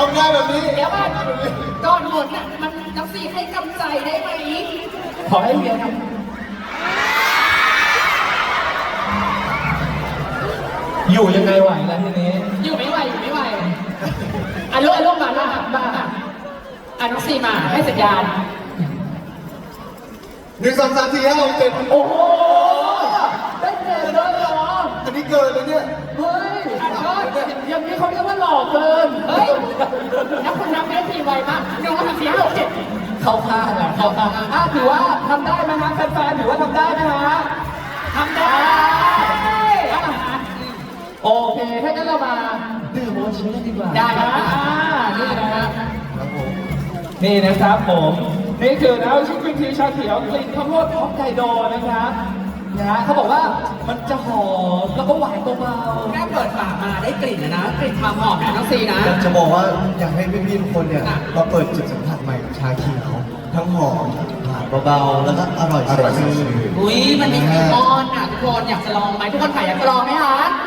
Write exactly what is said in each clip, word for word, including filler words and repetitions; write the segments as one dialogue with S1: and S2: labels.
S1: องได้แบบนี้
S2: เดี๋ยวก่อนก่อนหมดน่ะมันน้ำสีให้กำใจได้ไหม
S3: ขอให้เวียทำอยู่ยังไงไหวล่ะทีนี้
S2: อยู่ไม่ไหวอยู่ไม่ไหวอ่ะลูกอ่ะลูกมาลูกมามาอ่ะน้องสีมาให้สัญญาณ
S1: หนึ่งสองสามสี่ห้าหกเจ็ด
S3: โอ้โหได้เกินเลยเหรอ
S1: อันนี้เกินเลยเนี่ย
S3: เฮ้ยอย่างนี้เขาเรียกว่าหลอกเกิน
S2: เฮ้ยแล้วคุณนับไม่ได้ทีไวมากหนึ่งสองสามสี่ห้าหกเจ็ด
S3: เข้าข้างอ่ะเข้าข้างอ่ะถือว่าทำได้ไหมฮะแฟนๆถือว่าทำได้ไหมฮะ
S2: ทำได้
S3: อ่ะโอเคถ้างั้นเรามาดื่มโอชิกันดีกว่า
S2: ได้ครั
S3: นะ
S2: บ
S3: อ่านี่นะฮะ
S1: ครับผม
S3: นี่นะครับผมนี่คือน้ำชิคกี้พายชาเขียวกลิ่นข้าวโพดฮอกไกโดนะครับนะฮะเขาบอกว่ามันจะหอมแล้วก็หวานเบา
S2: แค่เปิดปากมาได้กลิ่นนะนะกลิ่นความหอมนะน้องสีนะ
S1: จะบอกว่าอยากให้พี่ๆทุกคนเนี่ยมาเปิดจุดสัมผัสใหม่ของชาเขียวทั้งหอมหวานเบาๆแล้วก็อร่อยอร่อยชื่น
S2: อุ้ยมันมีครีมออนอ่ะทุกคนอยากจะลองไหมทุกคนถ่ายอยากจะลองไหมคะ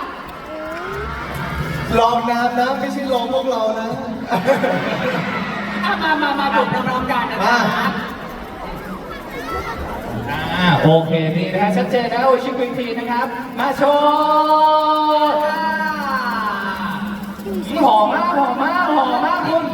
S1: ลองน้ำนะไม่ใช่ลองพวกเรานะ
S2: อ่ะมามามาดื่มพร้อมๆกันนะ
S1: มา
S2: คะ
S3: ๆอ่าโอเคนี่นะฮะชัดเจนนะโอชิคกี้พายนะครับ มาโชว์หอมมากหอมมากหอมมากคุณ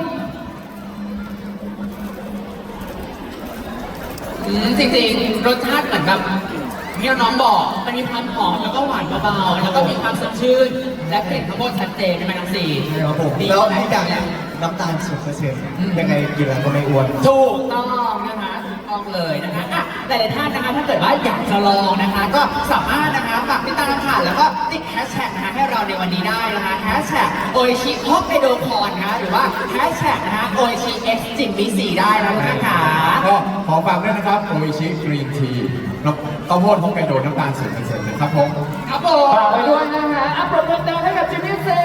S2: อืมจริงๆรสชาติเหมือนแบบที่น้องบอกมันมีความหอมแล้วก็หวานเบาๆแล้วก็มีความสดชื่นและกลิ่นข้าวโพดชัดเจนใช่ไหมน้องสี
S1: ครับผม
S2: ดี
S1: แล้ว
S2: ไหม
S1: อีกอย่างหนึงน้ำตาลศูนย์เปอร์เซ็นต์ยังไงกินแล้วก็ไม่อ้วน
S2: ถูกต้องนะคะถูกต้องเลยนะคะอ่ะหลายๆท่านนะคะถ้าเกิดว่าอยากจะลองนะคะ ก็สามารถนะคะฝากติดตามค่ะแล้วก็ติดแฮชแท็กนะคะให้เราในวันนี้ได้นะคะแฮชแท็กโอชิฮอกไกโดคอนนะคะหรือว่าแฮชแท็กนะคะโอชิเอ็กซ์จิมบีสีได้แล้วนะคะ
S4: ก็ขอฝากด้วยนะครับโออิชิกรีนทีน้ำข้าวโพดฮอกไกโดน้ำตาลศูนย์เปอร์เซ็นต์นะครับผม
S2: ครับผม
S3: ฝากไว้ด้วยนะฮะอัปโหลดเดินให้กับจิมมี่ซี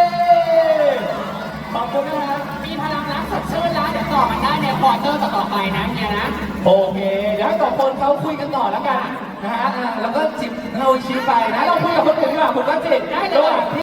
S3: ขอบคุณนะฮะ
S2: มีพลังรักสดชื่นแล้วเดี๋ยวต่อมันได้ในควอเตอร์ต่อๆไปนะเนี่ยนะ
S3: โอเค เดี๋ยวให้สองคนเขาคุยกันต่อแล้วกันนะฮะอ่ะแล้วก็จิบเราชี้ไปนะ เราคุยกับคนอื่นดีกว่าคุณก็จิบได้เลย